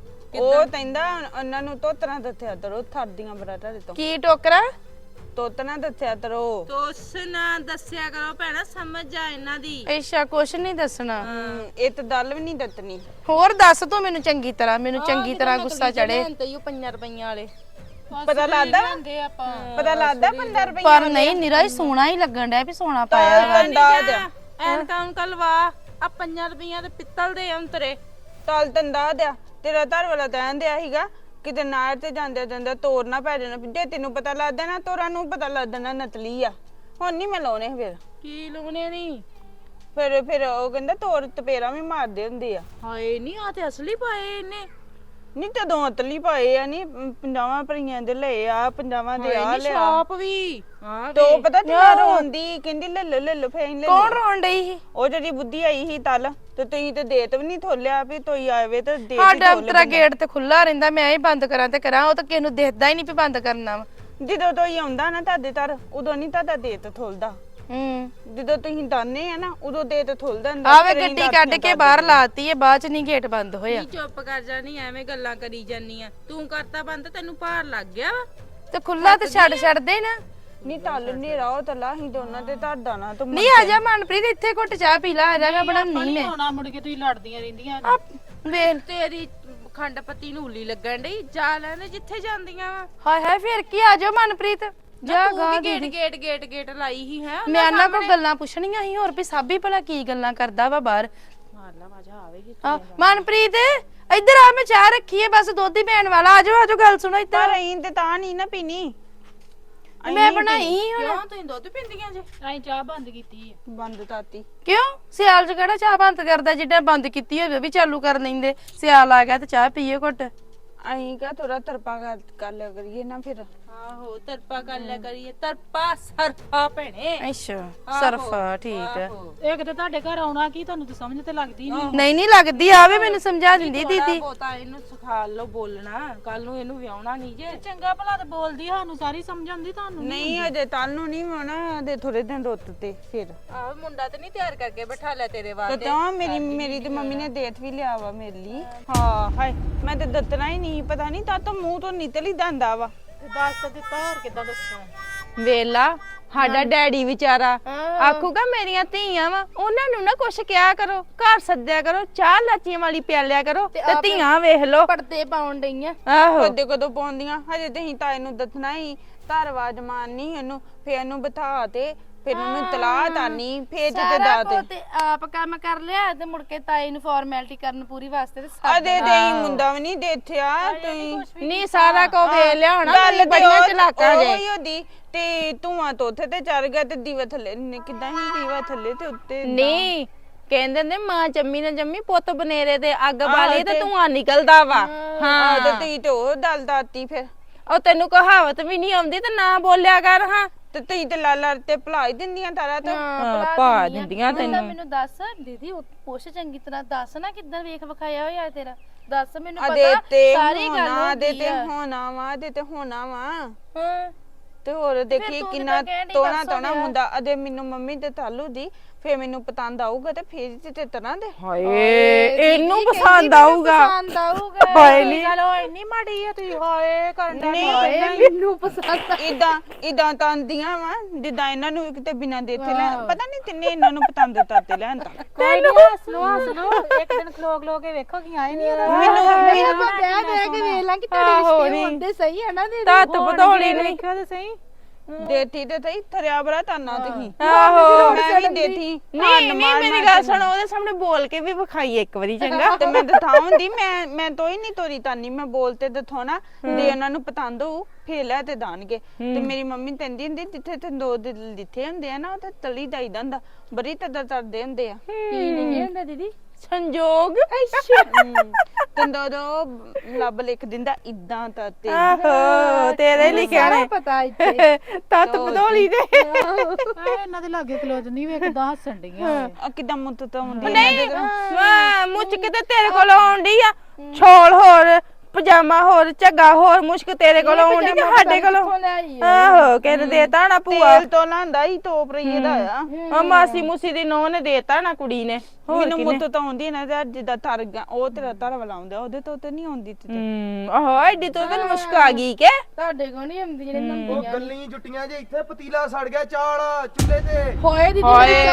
Speaker 3: ਉਹ ਕਹਿੰਦਾ ਉਹਨਾਂ ਨੂੰ ਤੋਤਨਾ ਦੱਸਿਆ ਕਰੋ ਥਰਦੀਆਂ ਬਰਾਟਾ ਦੇ ਤੋਂ
Speaker 6: ਕੀ ਟੋਕਰਾ
Speaker 3: ਤੋਤਨਾ ਦੱਸਿਆ ਕਰੋ।
Speaker 7: ਤੋਸ ਨਾ ਦੱਸਿਆ ਕਰੋ ਭੈਣਾ ਸਮਝ ਜਾ ਇਹਨਾਂ ਦੀ।
Speaker 6: ਐਸ਼ਾ ਕੁਛ ਨਹੀਂ ਦੱਸਣਾ
Speaker 3: ਇਹ ਤਾਂ ਦਲ ਵੀ ਨਹੀਂ ਦੱਤਨੀ।
Speaker 6: ਹੋਰ ਦੱਸ ਤੂੰ ਮੈਨੂੰ ਚੰਗੀ ਤਰ੍ਹਾਂ ਮੈਨੂੰ ਚੰਗੀ ਤਰ੍ਹਾਂ ਗੁੱਸਾ ਚੜੇ
Speaker 7: ਤੇ ਉਹ ਪੰਜਾਂ ਰੁਪਈਆਂ ਵਾਲੇ
Speaker 3: ਪਤਾ ਲੱਗਦਾ ਪਤਾ ਲੱਗਦਾ ਪੰਦਰਾਂ ਰੁਪਏ
Speaker 6: ਪਰ ਨਹੀਂ ਨਿਰਾ ਹੀ ਸੋਨਾ ਹੀ ਲੱਗਣ ਡਿਆ ਵੀ ਸੋਨਾ ਪਾਇਆ ਵਾ
Speaker 3: ਅੰਦਾਜ਼
Speaker 7: ਐਨਕਾਂ ਉਨਕਾਂ ਲਵਾ ਆ ਪੰਜਾਂ ਰੁਪਈਆਂ ਦੇ ਪਿੱਤਲ ਦੇ ਅੰਤਰੇ
Speaker 3: ਤਲ ਤੰਦਾ ਦਿਆ ਤੇਰਾ ਧਰ ਵਾਲਾ ਕਹਿਣ ਦਿਆ ਸੀਗਾ ਕਿਤੇ ਨਾਰ ਤੇ ਜਾਂਦੇ ਜਾਂਦੇ ਤੋਰ ਨਾ ਪੈ ਜਾਣਾ ਜੇ ਤੈਨੂੰ ਪਤਾ ਲੱਗਦਾ ਨਾ ਤੋਰਾਂ ਨੂੰ ਪਤਾ ਲੱਗਦਾ ਨਾ ਨਤਲੀ ਆ ਹੁਣ ਨਹੀਂ ਮੈਂ ਲਾਉਣੇ ਫਿਰ
Speaker 7: ਕੀ ਲਾਉਣੇ ਨਹੀਂ
Speaker 3: ਫਿਰ ਫਿਰ ਉਹ ਕਹਿੰਦਾ ਤੋਰ ਤਪੇਰਾ ਵੀ ਮਾਰਦੇ ਹੁੰਦੇ ਆ।
Speaker 7: ਹਾਏ ਨਹੀਂ ਆ ਤੇ ਅਸਲੀ ਪਾਏ ਇਹਨੇ
Speaker 3: ਨਹੀਂ ਤਦੋਂ ਅਤਲੀ ਪਾਏ ਆ ਨਹੀਂ ਪੰਜਾਵਾਂ ਭਰੀਆਂ ਦੇ ਲਏ ਆ ਪੰਜਾਵਾਂ ਦੇ ਆ ਲਿਆ
Speaker 7: ਆਪ ਵੀ ਹਾਂ
Speaker 3: ਤੋ ਪਤਾ ਤੇਰਾ ਰੋਂਦੀ ਕਹਿੰਦੀ ਲੈ ਲੈ ਲੈ ਫੇਨ ਲੈ
Speaker 6: ਕੌਣ ਰੋਣ ਡਈ ਸੀ
Speaker 3: ਉਹ ਜਿਹੜੀ ਬੁੱਧੀ ਆਈ ਸੀ ਤਲ ਤੇ ਤੁਸੀਂ ਤੇ ਦੇਤ ਵੀ ਨਹੀਂ ਥੋਲਿਆ ਵੀ ਤੋਈ ਆਵੇ ਤੇ ਦੇ
Speaker 6: ਸਾਡਾ ਅੰਤਰਾ ਗੇਟ ਤੇ ਖੁੱਲਾ ਰਹਿੰਦਾ ਮੈਂ ਹੀ ਬੰਦ ਕਰਾਂ ਤੇ ਕਰਾਂ ਉਹ ਤਾਂ ਕਿਸੇ ਨੂੰ ਦਿਖਦਾ ਹੀ ਨਹੀਂ ਵੀ ਬੰਦ ਕਰਨਾ ਵਾ
Speaker 3: ਜਦੋਂ ਤੋਈ ਆਉਂਦਾ ਨਾ ਤੁਹਾਡੇ ਤਰ ਉਦੋਂ ਨਹੀਂ ਤੁਹਾਡਾ ਦੇਤ ਥੋਲਦਾ।
Speaker 6: ਹੂੰ
Speaker 3: ਜਦੋਂ ਤੁਸੀਂ ਦਾਨੇ ਆ ਨਾ ਉਦੋਂ ਦੇਤ ਥੋਲਦਾ ਹੁੰਦਾ।
Speaker 6: ਆਵੇ ਗੱਡੀ ਕੱਢ ਕੇ ਬਾਹਰ ਲਾਤੀ ਏ ਬਾਅਦ ਚ ਨਹੀਂ ਗੇਟ ਬੰਦ ਹੋਇਆ
Speaker 7: ਨਹੀਂ ਚੁੱਪ ਕਰ ਜਾ ਨਹੀਂ ਐਵੇਂ ਗੱਲਾਂ ਕਰੀ ਜਾਨੀ ਆ ਤੂੰ ਕਰਤਾ ਬੰਦ ਤੈਨੂੰ ਭਾਰ ਲੱਗ ਗਿਆ ਵਾ।
Speaker 6: ਤੇ ਖੁੱਲਾ ਤੇ ਛੱਡ ਛੱਡਦੇ ਨਾ
Speaker 3: ਨਹੀਂ ਤਲ ਨੇਰਾ ਉਹ ਤਲਾ ਹੀ ਦੋਨਾਂ ਤੇ ਤੁਹਾਡਾ ਨਾ ਤੂੰ
Speaker 6: ਨਹੀਂ ਆ ਜਾ ਮਨਪ੍ਰੀਤ ਇੱਥੇ ਘੁੱਟ ਚਾਹ ਪੀ ਲਾ ਆ ਜਾ ਮੈਂ ਬਣਾਉਣੀ ਮੈਂ
Speaker 7: ਹੋਣਾ ਮੁੜ ਕੇ ਤੁਸੀਂ ਲੜਦੀਆਂ ਰਹਿੰਦੀਆਂ
Speaker 6: ਆ ਵੇਲ
Speaker 7: ਤੇਰੀ ਖੰਡ ਪੱਤੀ ਨੂੰ ਉਲੀ ਲੱਗਣ ਡਈ ਜਾ ਲੈਣੇ ਜਿੱਥੇ ਜਾਂਦੀਆਂ ਵਾ।
Speaker 6: ਹਾਏ ਹਾਏ ਫਿਰ ਕੀ ਆ ਜਾ ਮਨਪ੍ਰੀਤ ਜਾ ਗਾ
Speaker 7: ਗੇਟ ਗੇਟ ਗੇਟ ਗੇਟ ਲਾਈ ਹੀ ਹੈ
Speaker 6: ਮੈਂ ਇਹਨਾਂ ਕੋਲ ਗੱਲਾਂ ਪੁੱਛਣੀਆਂ ਸੀ ਹੋਰ ਵੀ ਸਾਬੀ ਭਲਾ ਕੀ ਗੱਲਾਂ ਕਰਦਾ ਵਾ ਬਾਹਰ
Speaker 7: ਮਾਰ ਲਾ ਵਾਜਾ ਆਵੇਗੀ
Speaker 6: ਆ ਮਨਪ੍ਰੀਤ ਇੱਧਰ ਆ ਮੈਂ ਚਾਹ ਰੱਖੀ ਏ ਬਸ ਦੁੱਧ ਹੀ ਪੈਣ ਵਾਲਾ ਆ ਜਾਓ ਆ ਜਾਓ ਗੱਲ ਸੁਣੋ ਇੱਧਰ
Speaker 3: ਪਰ ਅਹੀਂ ਤੇ ਤਾਂ ਨਹੀਂ ਨਾ ਪੀਣੀ
Speaker 6: ਮੈਂ ਬਣਾਈ ਹੁਣ
Speaker 7: ਕਿਉਂ ਤੁਸੀਂ ਦੁੱਧ ਪੀਂਦੀਆਂ ਜੇ
Speaker 6: ਅਸੀਂ ਚਾਹ ਬੰਦ ਕੀਤੀ ਹੈ
Speaker 3: ਬੰਦ ਤਾਤੀ
Speaker 6: ਕਿਉਂ ਸਿਆਲ ਚ ਕਿਹੜਾ ਚਾਹ ਬੰਦ ਕਰਦਾ ਜਿੱਦਾਂ ਬੰਦ ਕੀਤੀ ਹੋਵੇ ਵੀ ਚਾਲੂ ਕਰ ਲੈਂਦੇ ਸਿਆਲ ਆ ਗਿਆ ਤੇ ਚਾਹ ਪੀਏ ਘੁੱਟ
Speaker 3: ਅਹੀਂ ਕਾ ਥੋੜਾ ਤਰਪਾ ਕਰ ਕਰ ਲਿਆ ਕਰੀਏ ਨਾ ਫਿਰ
Speaker 7: ਆਹੋ ਤਰਪਾ ਕਰ ਲਿਆ ਕਰੀਏ ਤਰਪਾ ਸਰਫਾ ਭੈਣੇ
Speaker 6: ਅੱਛਾ ਸਰਫਾ ਠੀਕ ਹੈ
Speaker 8: ਇੱਕ ਤੇ ਤੁਹਾਡੇ ਘਰ ਆਉਣਾ ਕੀ ਤੁਹਾਨੂੰ ਤਾਂ ਸਮਝ ਤੇ ਲੱਗਦੀ ਨਹੀਂ
Speaker 6: ਨਹੀਂ ਨਹੀਂ ਲੱਗਦੀ ਆਵੇ ਮੈਨੂੰ ਸਮਝਾ ਦਿੰਦੀ ਦੀਦੀ
Speaker 7: ਬੋਤਾ ਇਹਨੂੰ ਸਿਖਾ ਲਓ ਬੋਲਣਾ ਕੱਲ ਨੂੰ ਇਹਨੂੰ ਵਿਆਹਣਾ ਨਹੀਂ ਜੇ
Speaker 8: ਚੰਗਾ ਭਲਾ ਤੇ ਬੋਲਦੀ ਸਾਨੂੰ ਸਾਰੀ ਸਮਝ ਆਉਂਦੀ ਤੁਹਾਨੂੰ
Speaker 3: ਨਹੀਂ ਅਜੇ ਕੱਲ ਨੂੰ ਨਹੀਂ ਹੋਣਾ ਦੇ ਥੋੜੇ ਦਿਨ ਰੁੱਤ ਤੇ ਫਿਰ
Speaker 7: ਆਹ ਮੁੰਡਾ ਤੇ ਨਹੀਂ ਤਿਆਰ ਕਰਕੇ ਬਿਠਾ ਲਿਆ ਤੇਰੇ ਵਾਸਤੇ
Speaker 3: ਤੇ ਤਾਂ ਮੇਰੀ ਮੇਰੀ ਤੇ ਮੰਮੀ ਨੇ ਦੇਤ ਵੀ ਲਿਆ ਵਾ ਮੇਰੇ ਲਈ। ਹਾਂ ਹਾਏ ਮੈਂ ਤੇ ਦੱਤਣਾ ਹੀ ਨਹੀਂ ਪਤਾ ਨਹੀਂ ਤਾਂ ਤਾਂ ਮੂੰਹ ਤੋਂ ਨਿਕਲ ਹੀ ਜਾਂਦਾ ਵਾ।
Speaker 8: ਦੱਸ ਤਾਂ ਦਿੱਤਾ ਹੋਰ ਕਿੱਦਾਂ ਦੱਸਾਂ
Speaker 3: ਵੇਲਾ ਸਾਡਾ ਡੈਡੀ ਵਿਚਾਰਾ ਆਖੂਗਾ ਮੇਰੀਆਂ ਧੀਆਂ ਵਾ ਉਹਨਾਂ ਨੂੰ ਨਾ ਕੁਛ ਕਿਹਾ ਕਰੋ ਘਰ ਸੱਦਿਆ ਕਰੋ ਚਾਹ ਲਾਚੀਆਂ ਵਾਲੀ ਪਿਆਲਿਆ ਕਰੋ ਤੇ ਧੀਆਂ ਵੇਖ ਲੋ
Speaker 6: ਪਰਦੇ ਪਾਉਣ ਡਈਆਂ
Speaker 3: ਆਹੋ ਕਦੇ ਕਦੋਂ ਪਾਉਂਦੀਆਂ ਹਜੇ ਤੇ ਹੀ ਤਾਂ ਇਹਨੂੰ ਦੱਸਣਾ ਹੀ ਧਰਵਾਜ ਮਾਰਨੀ ਇਹਨੂੰ ਫੇਰ ਇਹਨੂੰ ਬਿਠਾ ਤੇ
Speaker 7: ਫਿਰ ਉਹਨੂੰ ਤਲਾਹ ਤਾਨੀ ਫੇਰ ਤੇ
Speaker 6: ਸਾਰਾ
Speaker 7: ਦਾਤ
Speaker 6: ਕੁਝ ਤੇ ਆਪ ਕੰਮ ਕਰ ਲਿਆ ਤੇ ਮੁੜ ਕੇ ਤਾਈ ਨੂੰ ਫਾਰਮੈਲਿਟੀ ਕਰਨ ਪੂਰੀ ਵਾਸਤੇ ਤੇ ਸੱਦ
Speaker 7: ਅਦੇ ਦੇਈ ਮੁੰਡਾ ਵੀ ਨਹੀਂ ਦੇਖਿਆ ਤੁਸੀਂ
Speaker 6: ਨਹੀਂ ਸਾਰਾ ਕੁਝ ਵੇਖ ਲਿਆ ਹੋਣਾ
Speaker 7: ਗੱਲ
Speaker 6: ਤੁਸੀਂ
Speaker 7: ਤੇ
Speaker 6: ਬੜੀਆਂ
Speaker 7: ਉਹ-
Speaker 6: ਚਲਾਕਾਂ ਜੇ
Speaker 7: ਉਹੀ ਉਹਦੀ ਤੇ ਧੂਆਂ ਤੋਂ ਉੱਥੇ ਤੇ ਚੜ ਗਿਆ ਤੇ ਦੀਵਾ ਥੱਲੇ ਨੇ ਕਿਦਾਂ ਹੀ ਦੀਵਾ ਥੱਲੇ ਤੇ ਉੱਤੇ
Speaker 6: ਨਹੀਂ ਕਹਿੰਦੇ ਨੇ ਮਾਂ ਜੰਮੀ ਨਾ ਜੰਮੀ ਪੁੱਤ ਬਨੇਰੇ ਤੇ ਅੱਗ
Speaker 7: ਆਹੋ
Speaker 6: ਬਾਲੀ ਤੇ
Speaker 7: ਤੇ-
Speaker 6: ਧੂਆਂ ਨਿਕਲਦਾ ਵਾ
Speaker 7: ਹਾਂ
Speaker 6: ਹਾਂ
Speaker 7: ਤੇ ਤੀ ਤੇ ਉਹ ਦਲ ਦਾਤੀ ਫਿਰ
Speaker 6: ਉਹ ਤੈਨੂੰ ਕਹਾਵਤ ਵੀ ਨਹੀਂ ਆਉਂਦੀ ਤੇ ਨਾ ਬੋਲਿਆ ਕਰ ਹਾਂ
Speaker 7: ਤੇ ਤੀ ਤੇ ਲਾਲਾ ਤੇ ਭੁਲਾ ਹੀ ਦਿੰਦੀਆਂ ਤਾਰਾ ਤਾਂ
Speaker 6: ਹਾਂ
Speaker 8: ਭਾ ਦਿੰਦੀਆਂ
Speaker 6: ਤੈਨੂੰ ਮੈਨੂੰ ਦੱਸ ਦੀਦੀ ਉਹ ਪੁੱਛ ਚੰਗੀ ਤਰ੍ਹਾਂ ਦੱਸ ਨਾ ਕਿੱਦਾਂ ਵੇਖ ਵਿਖਾਇਆ ਹੋਇਆ ਤੇਰਾ ਦੱਸ ਮੈਨੂੰ
Speaker 7: ਅਦੇ
Speaker 6: ਪਤਾ
Speaker 7: ਤੇ
Speaker 6: ਸਾਰੀ ਗੱਲ
Speaker 7: ਹੋਣਾ ਦੇ
Speaker 6: ਹੁੰਦੀ
Speaker 7: ਤੇ
Speaker 6: ਆ
Speaker 7: ਹੋਣਾ ਵਾ ਦੇ ਤੇ ਹੋਣਾ ਵਾ
Speaker 6: ਹਾਂ
Speaker 7: ਤੇ ਹੋਰ ਦੇਖੀ
Speaker 6: ਤੂੰ
Speaker 7: ਕਿੰਨਾ
Speaker 6: ਕਿੱਦਾਂ ਕਹਿਣ ਡਈ
Speaker 7: ਤੋਣਾ
Speaker 6: ਦੱਸੋ
Speaker 7: ਤੋਣਾ
Speaker 6: ਫਿਰ।
Speaker 7: ਮੁੰਡਾ ਅਦੇ ਮੈਨੂੰ ਮੰਮੀ ਤੇ ਤਾਲੂ ਦੀ ਫੇਰ ਮੈਨੂੰ ਪਤੰਦ ਆਊਗਾ ਤੇ ਫੇਰ ਤੇ ਤੇ ਤਰ੍ਹਾਂ ਦੇ
Speaker 6: ਹਾਏ ਇਹਨੂੰ ਪਸੰਦ ਆਊਗਾ
Speaker 8: ਪਸੰਦ ਆਊਗਾ
Speaker 6: ਹਾਏ ਨੀ।
Speaker 8: ਚਲੋ ਇੰਨੀ ਮਾੜੀ ਆ ਤੁਸੀਂ ਹਾਏ ਕਰਨ ਦਾ
Speaker 7: ਨਹੀਂ
Speaker 6: ਮੈਨੂੰ ਪਸੰਦ
Speaker 7: ਇਦਾਂ ਇਦਾਂ ਤਾਂ ਆਂਦੀਆਂ ਵਾ ਜਿੱਦਾਂ ਇਹਨਾਂ ਨੂੰ ਕਿਤੇ ਬਿਨਾਂ ਦੇ ਇੱਥੇ ਲੈ ਪਤਾ ਨਹੀਂ ਤਿੰਨੇ ਇਹਨਾਂ ਨੂੰ ਪਤੰਦ ਤਾਤੇ ਲੈਣ ਤਾਂ
Speaker 8: ਕੋਈ ਨਹੀਂ ਹੱਸ ਲੋ ਹੱਸ ਲੋ ਇੱਕ ਦਿਨ ਖਲੋ ਖਲੋ ਕੇ ਵੇਖੋ ਕੀ ਆਏ ਨਹੀਂ
Speaker 7: ਮੈਨੂੰ
Speaker 6: ਆਪਾਂ ਵਿਆਹ ਦੇ ਕੇ ਵੇਖ ਲਾਂ ਕਿ ਤੁਹਾਡੇ ਰਿਸ਼ਤੇ ਹੁੰਦੇ ਸਹੀ ਹੈ ਨਾ ਦੀਦੀ ਤੱਤ ਬਧੌਲੀ ਨਹੀਂ
Speaker 8: ਵੇਖਿਓ ਤੇ ਸਹੀ
Speaker 7: ਦੇਤੀ ਤੇ ਸਹੀ ਥਰਿਆ ਬਰਾ ਤਾਨਾ ਤੁਸੀਂ
Speaker 6: ਆਹੋ
Speaker 7: ਮੈਂ ਵੀ ਦੇਤੀ
Speaker 6: ਨਹੀਂ ਨਹੀਂ ਮੇਰੀ ਗੱਲ ਸੁਣ ਉਹਦੇ ਸਾਹਮਣੇ ਬੋਲ ਕੇ ਵੀ ਵਿਖਾਈ ਇੱਕ ਵਾਰੀ ਚੰਗਾ
Speaker 7: ਤੇ ਮੈਂ ਦਿਖਾਉਂਦੀ ਮੈਂ ਮੈਂ ਤੋਈ ਨਹੀਂ ਤੋਰੀ ਤਾਨੀ ਮੈਂ ਬੋਲ ਤੇ ਦਿਖਾਉਣਾ ਦੇ ਉਹਨਾਂ ਨੂੰ ਪਤੰਦ ਹੋਊ ਫੇਰ ਲੈ ਤੇ ਦਾਨਗੇ ਤੇ ਮੇਰੀ ਮੰਮੀ ਕਹਿੰਦੀ ਹੁੰਦੀ ਜਿੱਥੇ ਤੇ ਦੋ ਦਿਲ ਜਿੱਥੇ ਹੁੰਦੇ ਆ ਨਾ ਉੱਥੇ ਤਲੀ ਦਾਈਦਾ ਹੁੰਦਾ ਬੜੀ ਤਦਰ ਤਰਦੇ ਹੁੰਦੇ ਆ
Speaker 6: ਕੀ ਨਹੀਂ ਹੁੰਦਾ ਦੀਦੀ ਸੰਜੋਗ
Speaker 7: ਤੇ ਦੋ ਦੋ ਲੱਭ ਲਿਖ ਦਿੰਦਾ ਇਦਾਂ ਤਾਂ ਤੇ
Speaker 6: ਆਹੋ ਤੇਰੇ ਲਿਖਿਆ ਨੇ ਪਤਾ ਇੱਥੇ ਤੱਤ ਬਧੌਲੀ ਦੇ
Speaker 8: ਆਏ ਇਹਨਾਂ ਦੇ ਲਾਗੇ ਖਲੋ ਨਹੀਂ ਵੇਖਦਾ ਹੱਸਣ ਡੀਆਂ
Speaker 7: ਆ ਕਿਦਾਂ ਮੁੱਤ ਤਾਂ ਹੁੰਦੀ
Speaker 6: ਨਹੀਂ ਵਾਹ ਮੁੱਚ ਕਿਤੇ ਤੇਰੇ ਕੋਲ ਆਉਂਦੀ ਆ ਛੋਲ ਹੋਰ ਪਜਾਮਾ ਹੋਰ ਝੱਗਾ ਹੋਰ ਮੁਸ਼ਕ ਤੇਰੇ ਕੋਲ ਆਉਂਦੀ ਕਿ ਸਾਡੇ ਕੋਲ ਆਹੋ ਕਿਹਨੇ ਦੇਤਾ ਨਾ ਭੂਆ
Speaker 7: ਤੇਲ ਤੋਂ ਲਾਂਦਾ ਹੀ ਤੋਪ ਰਹੀ ਦਾ ਆ
Speaker 6: ਆ ਮਾਸੀ ਮੂਸੀ ਦੀ ਨੋਹ ਨੇ ਦੇਤਾ ਨਾ ਕੁੜੀ ਨੇ ਹੋਰ
Speaker 7: ਮੈਨੂੰ
Speaker 6: ਕਿਨੇ
Speaker 7: ਮੁੱਤ ਤਾਂ ਆਉਂਦੀ ਨਾ ਤੇ ਜਿੱਦਾਂ ਤਰ ਗਿਆ ਉਹ ਤੇਰਾ ਤਰ ਵਾਲਾ ਆਉਂਦਾ ਉਹਦੇ ਤੋਂ ਤੇ ਨਹੀਂ ਆਉਂਦੀ ਤੇ
Speaker 6: ਹੂੰ ਆਹੋ ਐਡੀ ਤੋਂ ਤੈਨੂੰ ਮੁਸ਼ਕ ਆ ਗਈ ਕਿ ਤੁਹਾਡੇ ਕੋਲ ਨਹੀਂ ਆਉਂਦੀ ਜਿਹੜੇ
Speaker 5: ਉਹ ਗੱਲੀ ਜੁੱਟੀਆਂ ਜੇ ਇੱਥੇ ਪਤੀਲਾ ਸੜ ਗਿਆ ਚਾਲ ਚੁੱਲ੍ਹੇ ਤੇ
Speaker 6: ਹੋਏ ਦੀ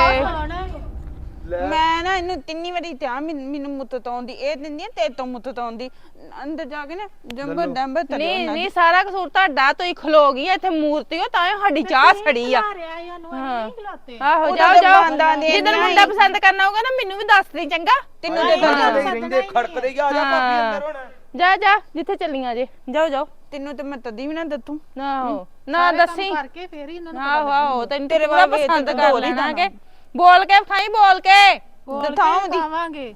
Speaker 7: ਮੈਂ ਨਾ ਇਹਨੂੰ ਤਿੰਨੀ ਵਾਰੀ ਕਿਹਾ ਮੈਨ- ਮੈਨੂੰ ਮੁੱਤ ਤੋਂ ਆਉਂਦੀ ਇਹ ਦਿੰਦੀ ਤੇ ਤੋਂ ਮੁੱਤ ਤੋਂ ਆਉਂਦੀ ਅੰਦਰ ਜਾ ਕੇ ਨਾ ਜੰਬਰ ਡੰਬਰ ਤਰ
Speaker 6: ਨਹੀਂ ਨਹੀਂ ਸਾਰਾ ਕਸੂਰ ਤੁਹਾਡਾ ਤੋਂ ਹੀ ਖਲੋ ਗਈ ਇੱਥੇ ਮੂਰਤੀ ਉਹ ਤਾਂ ਸਾਡੀ ਚਾਹ ਸੜੀ ਆ
Speaker 8: ਰਿਆ ਇਹਨੂੰ ਨਹੀਂ ਖਲਾਤੇ
Speaker 6: ਆਹੋ
Speaker 7: ਉਹਦਾ
Speaker 6: ਜਾਓ
Speaker 7: ਤਾਂ
Speaker 6: ਜਾਓ
Speaker 7: ਬਾਂਦਾਂ ਦੇ
Speaker 6: ਜਿੱਦਣ
Speaker 7: ਇੰਨਾ
Speaker 6: ਮੁੰਡਾ
Speaker 7: ਹੀ।
Speaker 6: ਪਸੰਦ ਕਰਨਾ ਹੋਊਗਾ ਨਾ ਮੈਨੂੰ ਵੀ ਦੱਸ ਦੇ ਚੰਗਾ
Speaker 7: ਤੈਨੂੰ ਤੇ
Speaker 5: ਰਹਿੰਦੇ ਰਹਿੰਦੇ ਖੜਕਦੇ ਹੀ ਆ ਜਾ ਭਾਬੀ ਅੰਦਰ ਹੁਣ
Speaker 6: ਜਾ ਜਾ ਜਿੱਥੇ ਚੱਲੀਆਂ ਜੇ ਜਾਓ ਜਾਓ
Speaker 7: ਤੈਨੂੰ ਤੇ ਮੈਂ ਤਦੀ ਵੀ ਨਾ ਦੱਤੂ
Speaker 6: ਆਹੋ ਨਾ ਦੱਸੀ
Speaker 8: ਕਰਕੇ ਫੇਰ ਹੀ ਇਹਨਾਂ ਨੂੰ
Speaker 6: ਆਹੋ ਆਹੋ ਤੈਨੂੰ
Speaker 7: ਤੇਰੇ
Speaker 6: ਤੇਰੇ ਵਾਲਾ
Speaker 7: ਵਾਲਾ
Speaker 6: ਪਸੰਦ
Speaker 7: ਵੇਖ
Speaker 6: ਕਰ
Speaker 7: ਬੋਲ ਹੀ
Speaker 6: ਲੈਣਾ
Speaker 7: ਦੇਣਾ।
Speaker 6: ਕਿ ਬੋਲ ਕੇ ਖਾਈ ਬੋਲ ਕੇ
Speaker 7: ਦਿਖਾਉਂਦੀ
Speaker 8: ਖਾਵਾਂਗੇ